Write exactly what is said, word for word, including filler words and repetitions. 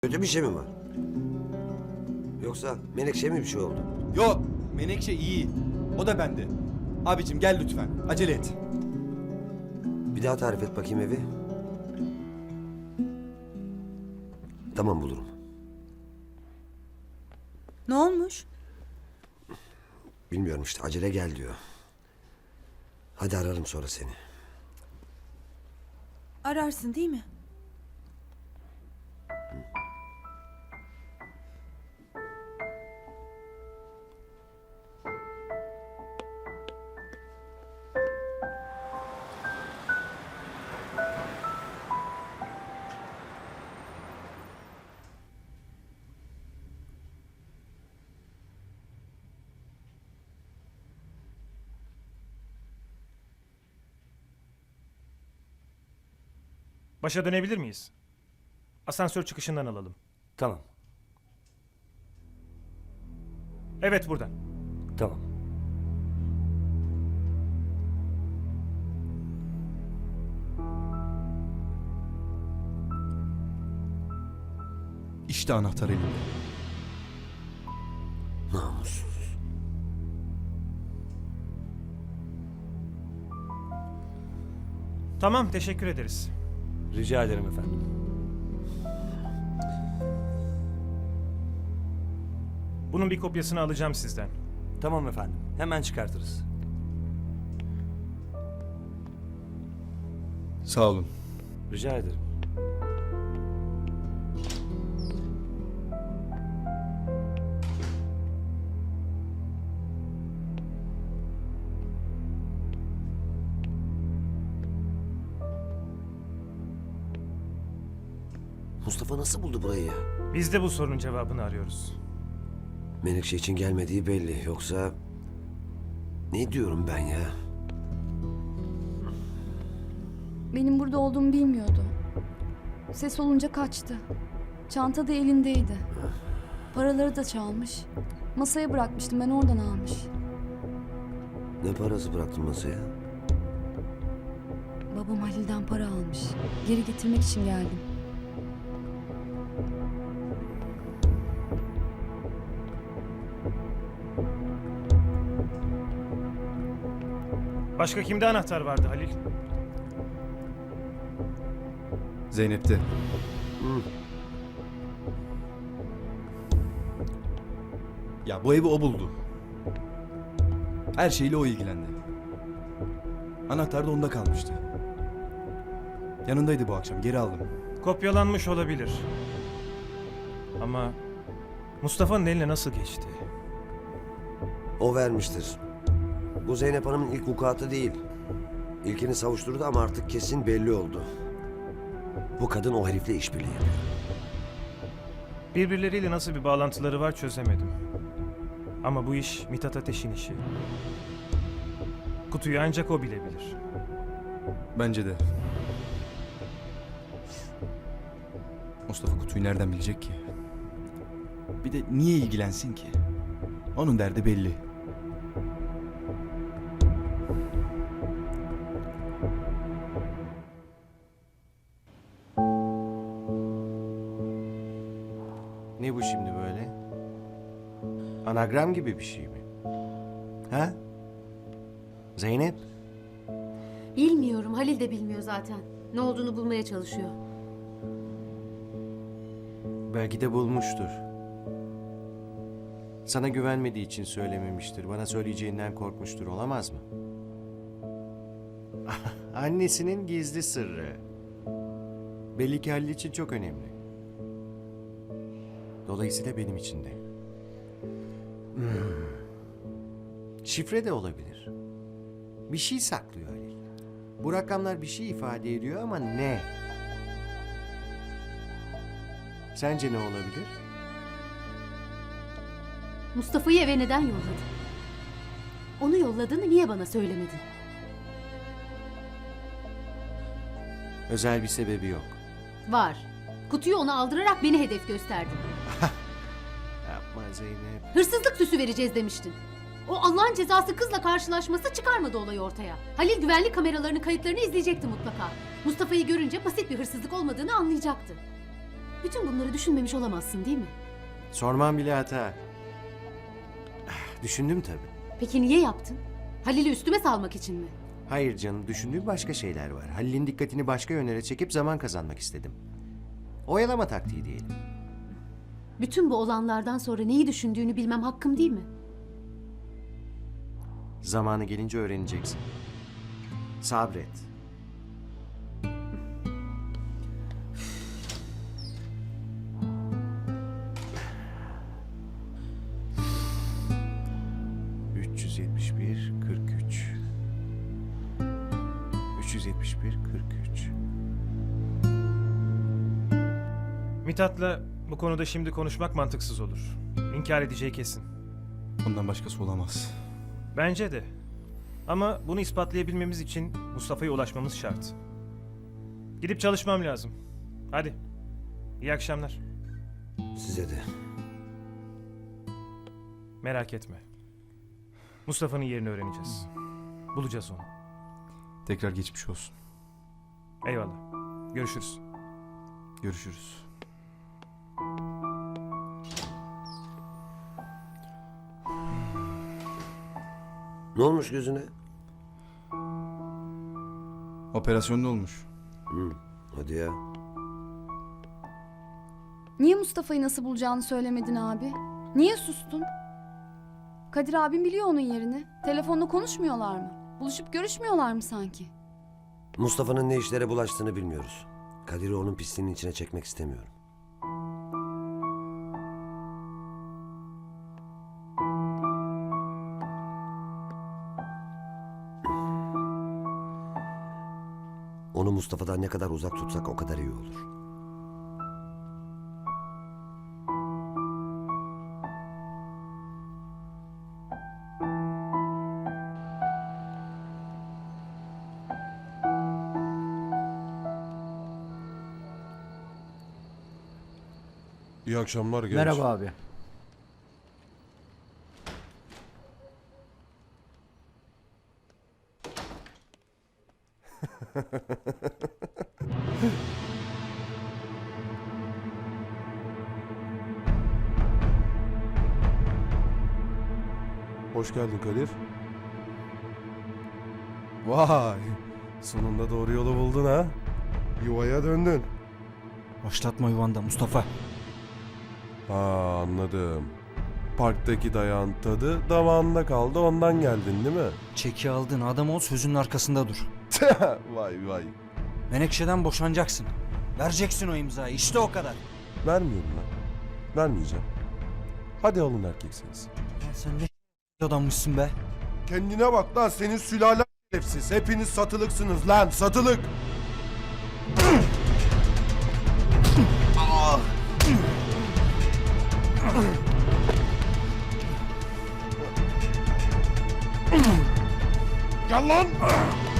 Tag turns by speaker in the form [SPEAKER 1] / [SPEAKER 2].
[SPEAKER 1] Kötü bir şey mi var? Yoksa Menekşe mi bir şey oldu?
[SPEAKER 2] Yok, Menekşe iyi. O da bende. Abicim gel lütfen, acele et.
[SPEAKER 1] Bir daha tarif et bakayım evi. Tamam, bulurum.
[SPEAKER 3] Ne olmuş?
[SPEAKER 1] Bilmiyorum işte, acele gel diyor. Hadi ararım sonra seni.
[SPEAKER 3] Ararsın değil mi?
[SPEAKER 4] Başa dönebilir miyiz? Asansör çıkışından alalım.
[SPEAKER 5] Tamam,
[SPEAKER 4] Evet, buradan.
[SPEAKER 5] tamam.
[SPEAKER 2] İşte anahtar elimde.
[SPEAKER 1] Namussuz.
[SPEAKER 4] Tamam, teşekkür ederiz.
[SPEAKER 5] Rica ederim efendim.
[SPEAKER 4] Bunun bir kopyasını alacağım sizden.
[SPEAKER 5] Tamam efendim, hemen çıkartırız.
[SPEAKER 2] Sağ olun.
[SPEAKER 5] Rica ederim.
[SPEAKER 1] Mustafa nasıl buldu burayı ya?
[SPEAKER 4] Biz de bu sorunun cevabını arıyoruz.
[SPEAKER 1] Menekşe için gelmediği belli. Yoksa... Ne diyorum ben ya?
[SPEAKER 6] Benim burada olduğumu bilmiyordu. Ses olunca kaçtı. Çanta da elindeydi. Paraları da çalmış. Masaya bırakmıştım, ben oradan almış.
[SPEAKER 1] Ne parası bıraktın masaya?
[SPEAKER 6] Babam Halil'den para almış. Geri getirmek için geldim.
[SPEAKER 4] Başka kimde anahtar vardı Halil?
[SPEAKER 2] Zeynep'te. Ya bu evi o buldu. Her şeyle o ilgilendi. Anahtar da onda kalmıştı. Yanındaydı bu akşam, geri aldım.
[SPEAKER 4] Kopyalanmış olabilir. Ama Mustafa'nın eline nasıl geçti?
[SPEAKER 1] O vermiştir. Bu Zeynep Hanım'ın ilk vukuatı değil. İlkini savuşturdu ama artık kesin belli oldu. Bu kadın o herifle işbirliği yapıyor.
[SPEAKER 4] Birbirleriyle nasıl bir bağlantıları var çözemedim. Ama bu iş Mithat Ateş'in işi. Kutuyu ancak o bilebilir.
[SPEAKER 2] Bence de. Mustafa kutuyu nereden bilecek ki? Bir de niye ilgilensin ki? Onun derdi belli.
[SPEAKER 7] Ne bu şimdi böyle? Anagram gibi bir şey mi? Ha? Zeynep?
[SPEAKER 8] Bilmiyorum. Halil de bilmiyor zaten. Ne olduğunu bulmaya çalışıyor.
[SPEAKER 7] Belki de bulmuştur. Sana güvenmediği için söylememiştir. Bana söyleyeceğinden korkmuştur. Olamaz mı? Annesinin gizli sırrı. Belli ki Halil için çok önemli. Dolayısıyla benim için de. Hmm. Şifre de olabilir. Bir şey saklıyor Halil. Bu rakamlar bir şey ifade ediyor ama ne? Sence ne olabilir?
[SPEAKER 8] Mustafa'yı eve neden yolladın? Onu yolladığını niye bana söylemedin?
[SPEAKER 7] Özel bir sebebi yok.
[SPEAKER 8] Var. Kutuyu ona aldırarak beni hedef gösterdin.
[SPEAKER 7] Yapma Zeynep.
[SPEAKER 8] Hırsızlık süsü vereceğiz demiştin. O Allah'ın cezası kızla karşılaşması çıkarmadı olayı ortaya. Halil güvenlik kameralarının kayıtlarını izleyecekti mutlaka. Mustafa'yı görünce basit bir hırsızlık olmadığını anlayacaktı. Bütün bunları düşünmemiş olamazsın değil mi?
[SPEAKER 7] Sormam bile hata. Ah, Düşündüm tabii.
[SPEAKER 8] Peki niye yaptın? Halil'i üstüme salmak için mi?
[SPEAKER 7] Hayır canım, düşündüğüm başka şeyler var. Halil'in dikkatini başka yönlere çekip zaman kazanmak istedim. Oyalama taktiği diyelim.
[SPEAKER 8] Bütün bu olanlardan sonra neyi düşündüğünü bilmem hakkım değil mi?
[SPEAKER 7] Zamanı gelince öğreneceksin. Sabret. üç yüz yetmiş bir, kırk üç. üç yüz yetmiş bir, kırk üç.
[SPEAKER 4] Mithat'la bu konuda şimdi konuşmak mantıksız olur. İnkar edeceği kesin.
[SPEAKER 2] Ondan başkası olamaz.
[SPEAKER 4] Bence de. Ama bunu ispatlayabilmemiz için Mustafa'ya ulaşmamız şart. Gidip çalışmam lazım. Hadi. İyi akşamlar.
[SPEAKER 1] Size de.
[SPEAKER 4] Merak etme. Mustafa'nın yerini öğreneceğiz. Bulacağız onu.
[SPEAKER 2] Tekrar geçmiş olsun.
[SPEAKER 4] Eyvallah. Görüşürüz.
[SPEAKER 2] Görüşürüz.
[SPEAKER 1] Ne olmuş gözüne?
[SPEAKER 2] Operasyonda olmuş.
[SPEAKER 1] Hı, hadi ya.
[SPEAKER 6] Niye Mustafa'yı nasıl bulacağını söylemedin abi? Niye sustun? Kadir abim biliyor onun yerini. Telefonla konuşmuyorlar mı? Buluşup görüşmüyorlar mı sanki?
[SPEAKER 1] Mustafa'nın ne işlere bulaştığını bilmiyoruz. Kadir'i onun pisliğinin içine çekmek istemiyorum. Onu Mustafa'dan ne kadar uzak tutsak o kadar iyi olur.
[SPEAKER 9] İyi akşamlar genç.
[SPEAKER 10] Merhaba abi.
[SPEAKER 9] Hoş geldin Kadir. Vay. Sonunda doğru yolu buldun ha. Yuvaya döndün.
[SPEAKER 10] Başlatma yuvanda Mustafa.
[SPEAKER 9] Ha anladım. Parktaki dayağın tadı damağında kaldı ondan geldin değil mi?
[SPEAKER 10] Çeki aldın adam ol sözünün arkasında dur.
[SPEAKER 9] Vay vay.
[SPEAKER 10] Menekşe'den boşanacaksın. Vereceksin o imzayı işte o kadar.
[SPEAKER 9] Vermiyorum lan. Vermeyeceğim. Hadi alın erkeksiniz.
[SPEAKER 10] Lan sen ne adammışsın be.
[SPEAKER 9] Kendine bak lan senin sülalen şerefsiz. Hepiniz satılıksınız lan satılık. Gel lan.